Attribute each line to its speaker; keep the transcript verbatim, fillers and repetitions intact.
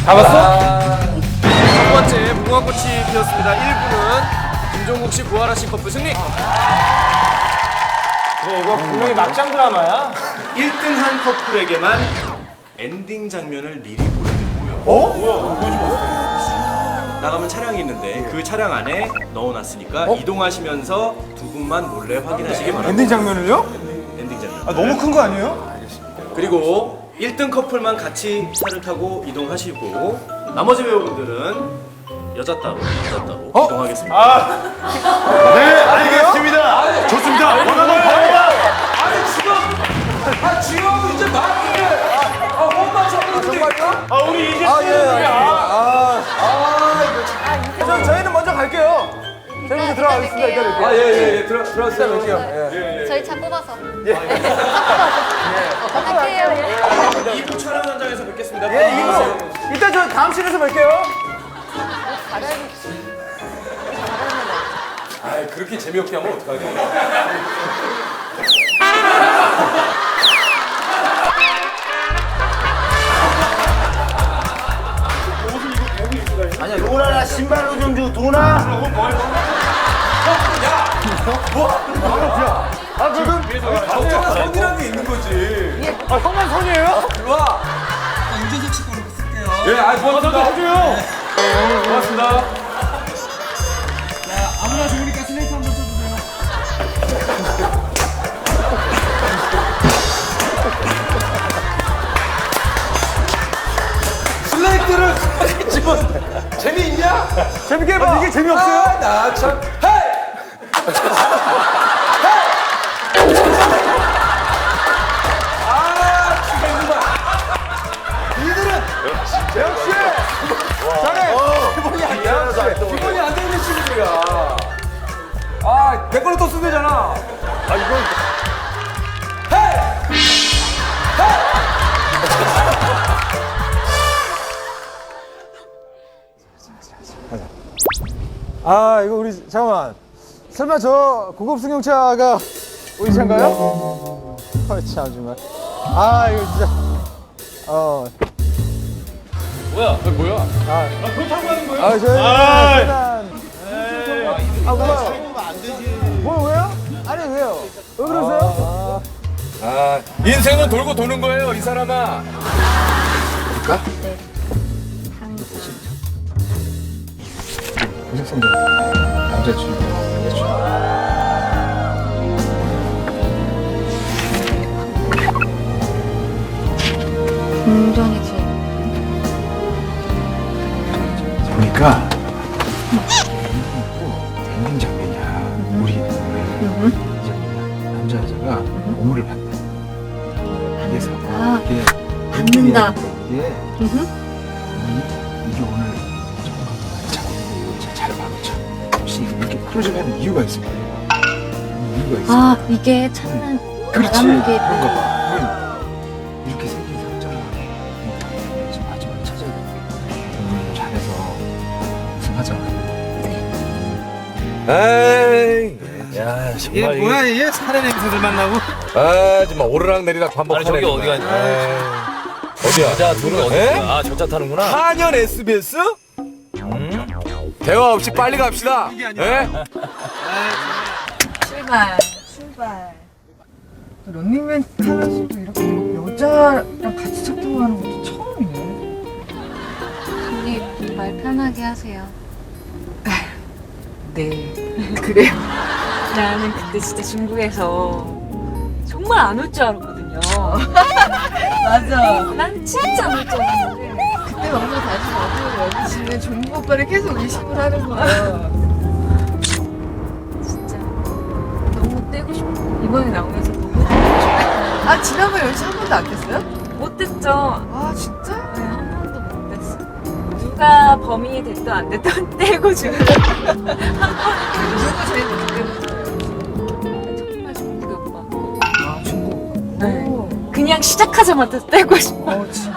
Speaker 1: 잡았어?
Speaker 2: 첫 번째 무궁화꽃이 피었습니다. 일 부는 김종국 씨, 구하라 씨 커플 승리.
Speaker 1: 그래, 이거 분명히 막장 드라마야.
Speaker 2: 일 등 한 커플에게만 엔딩 장면을 미리 보여드리고요. 어? 뭐야? 나가면 차량이 있는데 그 차량 안에 넣어놨으니까
Speaker 1: 어?
Speaker 2: 이동하시면서 두 분만 몰래 확인하시기 바랍니다.
Speaker 1: 엔딩 장면을요?
Speaker 2: 엔딩 장면.
Speaker 1: 아, 너무 큰 거 아니에요?
Speaker 2: 그리고 일 등 커플만 같이 차를 타고 이동하시고 나머지 배우분들은 여자 따로, 여자 따로
Speaker 1: 어?
Speaker 2: 이동하겠습니다.
Speaker 1: 네, 알겠습니다. 좋습니다. 원하는 바입니다.
Speaker 3: 아니 지금 아 지금 이제 막히게 아못 맞췄는데
Speaker 1: 아, 우리 이제 수요일이야. 아, 아, 이거 참. 저희는 먼저 갈게요. 저희 먼저 들어가겠습니다. 이따 뵐게요.
Speaker 3: 아예예예 들어 들어왔어요.
Speaker 1: 이따 뵐게요. 예.
Speaker 4: 저희 차 뽑아서. 예. 차 뽑아서. 갈게요.
Speaker 2: 이 부 촬영 현장에서 뵙겠습니다.
Speaker 1: 예, 이거. 이따 저 다음 씬에서 뵐게요.
Speaker 3: 아 그렇게 재미없게 하면 어떡하게?
Speaker 1: 도나나 신발로 좀 줘. 도나. 아, 지금
Speaker 3: 적정한 선이라는 게 있는 거지.
Speaker 1: 아, 형만 선이에요?
Speaker 3: 일로 와.
Speaker 5: 운전석 치 걸로 쓸게요.
Speaker 3: 예, 아 고맙습니다.
Speaker 1: 해줘요.
Speaker 3: 고맙습니다.
Speaker 5: 자, 아무나 좋으니까 슬레이트 한번 쳐주세요.
Speaker 3: 슬레이트를 집은 재미있냐?
Speaker 1: 재밌게 해봐. 이게 재미없어요?
Speaker 3: 아, 나 참. 헤이! 아, 죽겠구만.
Speaker 1: 이들은 역시 잘해. 기본이 안 돼.
Speaker 3: 기본이 안 되는 친구들이야. 아, 내 걸로 또 쓰면 되잖아.
Speaker 1: 아, 이건
Speaker 3: 헤이!
Speaker 1: 아, 이거 우리 잠깐만. 설마 저 고급 승용차가 우리 차인가요? 어, 참 정말. 아, 이거 진짜. 어.
Speaker 3: 뭐야? 아, 뭐야?
Speaker 1: 아,
Speaker 3: 그거 타고 가는 거예요?
Speaker 1: 아, 저희 세단. 아, 뭐야? 뭐 왜요? 아니 왜요? 왜 그러세요?
Speaker 3: 아, 인생은 돌고 도는 거예요, 이 사람아.
Speaker 4: 운전이지.
Speaker 6: 보니까 엔딩 장면이야. 우리 이제 남자 여자가 오물을 받는다. 그래서
Speaker 4: 아,
Speaker 6: 이게
Speaker 4: 받는다.
Speaker 6: 이게 이- 이게 오늘 정말 잘, 잘 봐놓자. 혹시 이렇게 클로즈하는 이유가 있을 거예요. 이유가 있어.
Speaker 4: 아, 이게 찾는
Speaker 6: 그렇지.
Speaker 4: 바람개.
Speaker 6: 그런가 봐. 이렇게 생긴 상장을 지금 마지막에 찾아야 돼. 오늘 잘해서 우승하자.
Speaker 3: 에이, 야, 정말 이게
Speaker 5: 뭐야, 이게 살의 냄새들만 나고?
Speaker 3: 아, 정말 오르락 내리락 반복하네.
Speaker 7: 아니, 저기 어디 가냐?
Speaker 3: 어디야?
Speaker 7: 여자 둘은 어디
Speaker 3: 에?
Speaker 7: 가? 아, 저차 타는구나.
Speaker 3: 한연 에스비에스? 음? 대화 없이 빨리 갑시다. 예?
Speaker 8: 출발, 출발. 런닝맨 타면서도 이렇게 여자랑 같이 작동하는 것도 처음이네.
Speaker 4: 우리 말 편하게 하세요.
Speaker 8: 네, 그래요. 나는 그때 진짜 중국에서 정말 안 올 줄 알았거든요. 맞아. 난 진짜 안 올 줄 알았는데. 그때 막상 다시 와서 여기 지는 종국 오빠를 계속 의심을 하는 거야. 진짜 너무 떼고 싶어. 이번에 나오면서 너무 떼고 싶어. 아, 지난번에 연습 한 번도 안 뗐어요? 못 뗐죠. 아, 진짜? 네, 한 번도 못 뗐어. 누가 범인이 됐든 안 됐든 떼고 지금 한 번은 누구 제일 못 떼고 정말 중국의 오빠. 아, 중국 오빠? 네. 그냥 시작하자마자 떼고 싶어. 어, 진짜?